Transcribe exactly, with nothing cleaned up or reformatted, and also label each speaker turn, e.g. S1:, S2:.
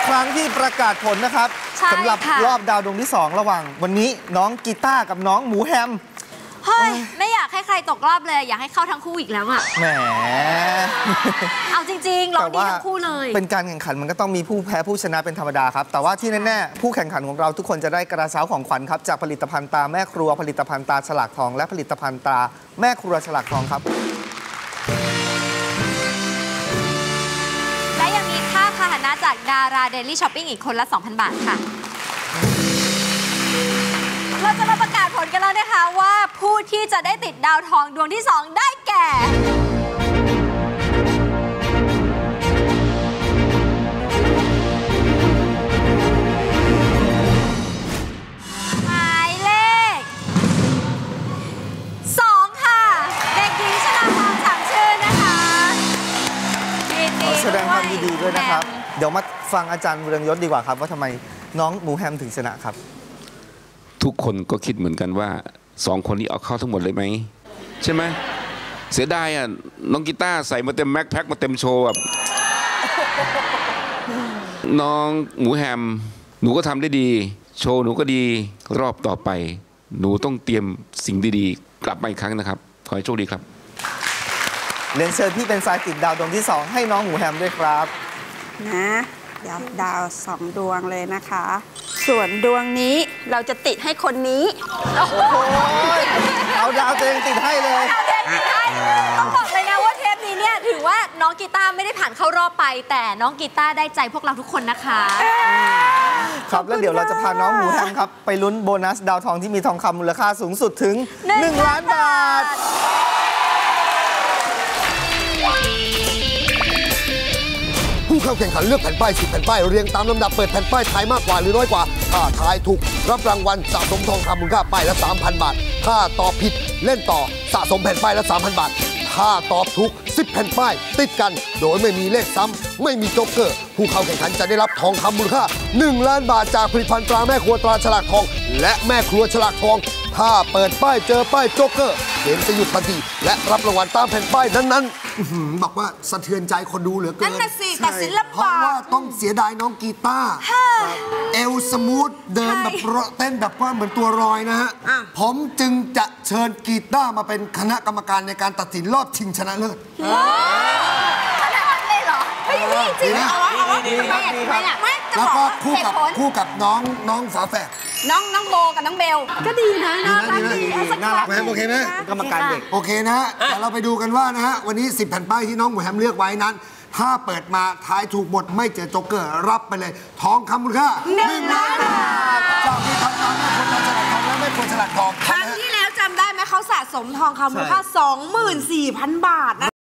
S1: ครั้งที่ประกาศผลนะครับสำหรับรอบดาวดวงที่สองระหว่างวันนี้น้องกีตาร์กับน้องหมูแฮม
S2: เฮ้ยไม่อยากให้ใครตกรอบเลยอยากให้เข้าทั้งคู่อีกแล้วอะ
S1: แหม
S2: เอาจริงๆร้องดีทั้งคู่เลย
S1: เป็นการแข่งขันมันก็ต้องมีผู้แพ้ผู้ชนะเป็นธรรมดาครับแต่ว่าที่แน่ๆผู้แข่งขันของเราทุกคนจะได้กระเช้าของขวัญครับจากผลิตภัณฑ์ตาแม่ครัวผลิตภัณฑ์ตาฉลากทองและผลิตภัณฑ์ตาแม่ครัวฉลากทองครับ
S2: และยังมีค่าพาหนะจากดาราเดลี่ช้อปปิ้งอีกคนละ สองพัน บาทค่ะเราจะมาประกาศผลกันแล้วนะคะว่าผู้ที่จะได้ติดดาวทองดวงที่สองได้แก่หมายเลขสองค่ะเด็กหญิงชนาภาฉ่ำชื่นนะคะ
S1: แสดงความยินดีด้วยนะครับเดี๋ยวมาฟังอาจารย์เรืองยศดีกว่าครับว่าทำไมน้องหมูแฮมถึงชนะครับ
S3: ทุกคนก็คิดเหมือนกันว่าสองคนนี้เอาเข้าทั้งหมดเลยไหมใช่ไหมเสียดายอ่ะน้องกีตาร์ใส่มาเต็มแม็กแพ็คมาเต็มโชว์แบบน้องหมูแฮมหนูก็ทำได้ดีโชว์หนูก็ดีรอบต่อไปหนูต้องเตรียมสิ่งดีๆกลับมาอีกครั้งนะครับขอให้โชคดีครับ
S1: เรียนเชิญพี่เป็นสายติดดาวดวงที่สองให้น้องหมูแฮมด้วยครับ
S4: นะเดี๋ยวดาวสองดวงเลยนะคะส่วนดวงนี้เราจะติดให้คนนี้
S1: โอ้โหเอาดาวเองติดให้เลย
S2: ต้องบอกเลยนะว่าเทปนี้เนี่ยถือว่าน้องกีตาร์ไม่ได้ผ่านเข้ารอบไปแต่น้องกีตาร์ได้ใจพวกเราทุกคนนะคะ
S1: ครับแล้วเดี๋ยวเราจะพาน้องหมูแฮมครับไปลุ้นโบนัสดาวทองที่มีทองคำมูลค่าสูงสุดถึงหนึ่งล้านบาท
S5: ผู้เข้าแข่งขันเลือกแผ่นป้ายสิบแผ่นป้ายเรียงตามลำดับเปิดแผ่นป้ายทายมากกว่าหรือน้อยกว่าถ้าทายถูกรับรางวัลสะสมทองคำมูลค่าป้ายละ สามพัน บาทถ้าตอบผิดเล่นต่อสะสมแผ่นป้ายละ สามพัน บาทถ้าตอบถูกสิบแผ่นป้ายติดกันโดยไม่มีเลขซ้ำไม่มีโจ๊กเกอร์ผู้เข้าแข่งขันจะได้รับทองคำมูลค่าหนึ่งล้านบาทจากผลิตภัณฑ์ตราแม่ครัวตราฉลากทองและแม่ครัวฉลากทองถ้าเปิดป้ายเจอป้ายโจ๊กเกอร์เกมจะหยุดทันทีและรับรางวัลตามแผ่นป้ายนั้นๆบอกว่าสะเทือนใจคนดูเหลือเกินนั่นน่ะสิแต่ศิลปะเพราะว่าต้องเสียดายน้องกีตาร์เอลสมูทเดินแบบเต้นแบบว่าเหมือนตัวรอยนะฮะผมจึงจะเชิญกีตาร์มาเป็นคณะกรรมการในการตัดสินรอบชิงชนะเลิศ
S2: ขนาดนั้นเลยเหรอไม่จริงเอาวะเอาวะทำไมอ่ะทำไมอ่ะ
S5: แล้วก็คู่กับคู่กับน้องน้องฝาแฝด
S2: น้องน้องโบกับน้องเบลก็ดีนะน่ารักดี
S5: น่ารักไหมโอเคไหม
S1: กรรมการเด็ก
S5: โอเคนะแต่เราไปดูกันว่านะฮะวันนี้สิบแผ่นป้ายที่น้องหมูแฮมเลือกไว้นั้นถ้าเปิดมาทายถูกหมดไม่เจอโจ๊กเกอร์รับไปเลยทองคำมูลค่า
S2: หนึ่งล้านบาท
S5: จากผลิตภัณฑ์ตาแม่ครัวฉลากทองและแม่ครัวฉลากทอง
S4: ครั้งที่แล้วจำได้ไหมเขาสะสมทองคำมูลค่า สองหมื่นสี่พัน บาทนะ